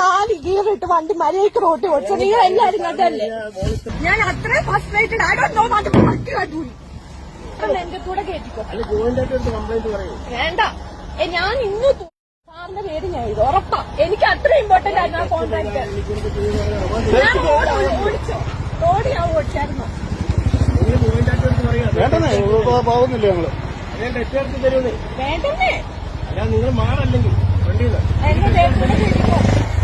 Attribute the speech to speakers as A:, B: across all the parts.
A: 4 ഗിയറിട്ട് വണ്ടി മര്യാദക്ക് റോട്ടിൽ ഓടിച്ചു. നിങ്ങൾ എല്ലാരും കണ്ടല്ലേ? ഞാൻ അത്രയും frustrated. I don't know what പറ്റി കണ്ടു. എന്റെ കൂടെ കേട്ടിക്കോ. വേണ്ട, ഞാൻ ഇന്ന് സാറിന്റെ പേര് ഞാൻ ഇത് ഉറപ്പാ. എനിക്ക് അത്ര ഇമ്പോർട്ടന്റ് ആയിരുന്നു ആ കോൺട്രാക്ട്. ഞാൻ റോഡ് ഓടിച്ചോ? റോഡ് ഞാൻ ഓടിച്ചായിരുന്നു.
B: പോകുന്നില്ല ഞങ്ങള്.
A: വേണ്ടല്ലേ?
B: നിങ്ങൾ മാറല്ലെങ്കിൽ
A: എന്റെ പേര് കൂടെ കേട്ടിക്കോ.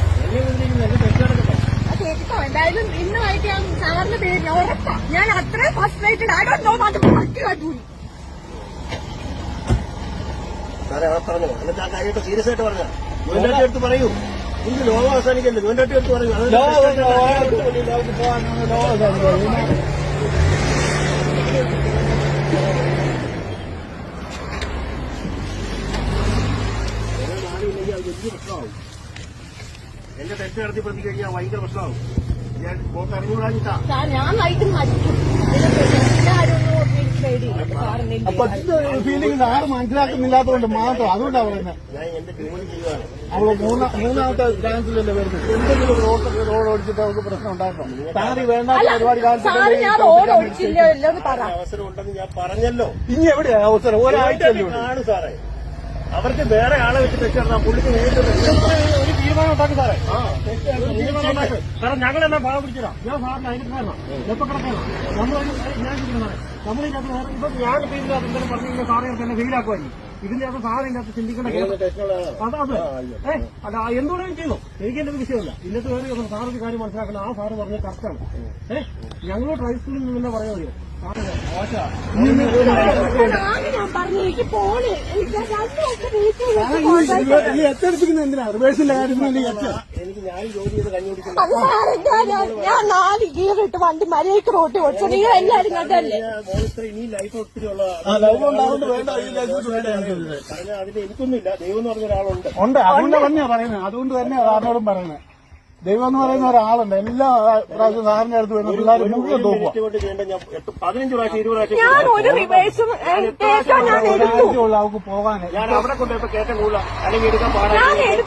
A: കേട്ടിക്കോ. എന്തായാലും ഇന്നുമായിട്ട് ഞാൻ സാറിന്റെ പേര് ഉറപ്പാ. ഞാൻ അത്രയും frustrated. I don't know what പറ്റി കണ്ടു.
B: സാറേ അവിടെ പറഞ്ഞോ, എന്നിട്ട് ആ കാര്യമായിട്ട് സീരിയസ് ആയിട്ട് പറഞ്ഞ ഗവൺമെന്റ് എടുത്ത് പറയൂ. ഇന്ന് ലോകം അവസാനിക്കല്ലേ, ഗവൺമെന്റ് എടുത്ത് പറയൂ. വലിയ പ്രശ്നമാവും. എന്റെ തെറ്റ് നടത്തി പ്രതി കഴിഞ്ഞാൽ ഭയങ്കര പ്രശ്നമാവും. ഞാൻ പോക്ക് അറിഞ്ഞുകൂടാഞ്ഞിട്ടാ
A: ഞാൻ വൈകിട്ട് മരിക്കും.
C: ഫീലിംഗ് സാറ് മനസ്സിലാക്കുന്നില്ലാത്തതുകൊണ്ട് മാത്രം. അതുകൊണ്ടാണ് പറയുന്നത്.
B: ഞാൻ എന്റെ ജോലി ചെയ്യുവാണ്.
C: അവള് മൂന്നാമത്തെ ചാൻസിലല്ലേ വരുന്നത്. എന്തെങ്കിലും റോഡ് ഓടിച്ചിട്ട് അവർക്ക് പ്രശ്നം ഉണ്ടാക്കണം. സാറി വേണ്ട ഒരുപാട്
B: അവസരം ഉണ്ടെന്ന് ഞാൻ പറഞ്ഞല്ലോ.
C: ഇനി എവിടെയാ അവസരം? ഒരാഴ്ച
B: ആണ് സാറേ. അവർക്ക് വേറെ ആളെ വെച്ച് തെറ്റിറങ്ങാം. പുള്ളിക്ക് നേരിട്ട്
C: ഒരു തീരുമാനം ഉണ്ടാക്കും സാറേ.
B: കാരണം ഞങ്ങളെല്ലാം ഭാഗം പിടിച്ചതാ. ഞാൻ സാറിന് അതിന് കാരണം എപ്പോ കിടക്കണം നമ്മളൊരു നമ്മളിതിനകത്ത് ഇപ്പൊ ഞാൻ ഇതിനകത്ത് എന്തെങ്കിലും പറഞ്ഞു കഴിഞ്ഞാൽ സാറേ തന്നെ ഫെയിലാക്കുമായിരിക്കും. ഇതിനകത്ത് സാറിന്റെ അകത്ത് ചിന്തിക്കേണ്ട അതെ അല്ല എന്തുകൊണ്ടും ചെയ്തു. എനിക്ക് എന്റെ വിഷയമല്ല. ഇന്നത്തെ വേറെ സാറൊരു കാര്യം മനസ്സിലാക്കണം. ആ സാറ് പറഞ്ഞത് കറക്റ്റാണ്. ഞങ്ങൾ ട്രൈ സ്കൂളിൽ നിന്ന് തന്നെ പറയാൻ മതിയോ?
C: എത്തെടുപ്പിക്കുന്ന എന്തിനാ? റിവേഴ്സിന്റെ കാര്യം
B: എനിക്ക് ഞാൻ ജോലി ചെയ്ത് കഞ്ഞുപിടിക്കുന്നു.
A: ഞാൻ 4 ഗിയറിട്ട് വണ്ടി മര്യാദക്ക് റോട്ടിൽ ഓടിച്ചു. നിങ്ങൾ എല്ലാരും കണ്ടല്ലേ?
B: ഇനി ലൈഫ് ഒത്തിരി ഉള്ളതാണ്. പറഞ്ഞാൽ അതിന് എനിക്കൊന്നുമില്ല. ദൈവം എന്ന് പറഞ്ഞ ഒരാളുണ്ട്.
C: അതുകൊണ്ട് തന്നെയാ പറയുന്നത്. അതുകൊണ്ട് തന്നെയാ സാറിനോടും പറയുന്നത്. ദൈവം എന്ന് പറയുന്ന ഒരാളുണ്ട്. എല്ലാ പ്രാവശ്യം സാറിന്റെ അടുത്ത് വരുന്ന പിള്ളേർ മുഴുവൻ തോക്കുക.
B: 15 പ്രാവശ്യം 20 പ്രാവശ്യം
C: അവർക്ക് പോകാൻ
B: ഞാൻ അവിടെ കൊണ്ടുപോയപ്പോ കയറ്റം കൂടാ അല്ലെങ്കിൽ എടുക്കാൻ പാടില്ല.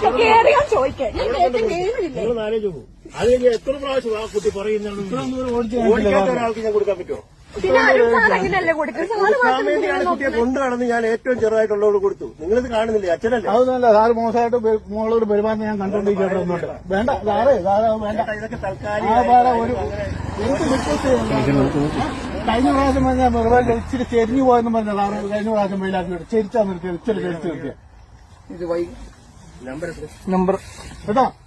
B: നിങ്ങൾ നാലേ പോകും. അത് കഴിഞ്ഞാൽ എത്ര പ്രാവശ്യം ആ കുട്ടി പറയുന്നുണ്ട്. ഓടിക്കാത്ത ഒരാൾക്ക് ഞാൻ കൊടുക്കാൻ പറ്റുമോ? വേണ്ടിയാണ് കുട്ടിയെ കൊണ്ടുനടന്ന് ഞാൻ ഏറ്റവും ചെറുതായിട്ടുള്ളവരോട് കൊടുത്തു. നിങ്ങളിത് കാണുന്നില്ലേ? അച്ഛനല്ലേ?
C: അതൊന്നുമല്ല. സാറ് മോശമായിട്ട് മോളോട് പെരുമാറുന്ന ഞാൻ കണ്ടോണ്ടിരിക്കുന്നുണ്ട്. വേണ്ട സാറേ, വേണ്ട.
B: ഇതൊക്കെ തൽക്കാലം
C: ഒരു കഴിഞ്ഞ പ്രാവശ്യം പറഞ്ഞാൽ വെറുതെ ഇച്ചിരി ചെരിഞ്ഞു പോയെന്ന് പറഞ്ഞാൽ സാറ് കഴിഞ്ഞ പ്രാവശ്യം വെയിലാക്കി ചെരിച്ചാ നിർത്തിയത്. ഇച്ചിരി ചെരിച്ച് നിർത്തിയ
B: നമ്പർ
C: കേട്ടോ.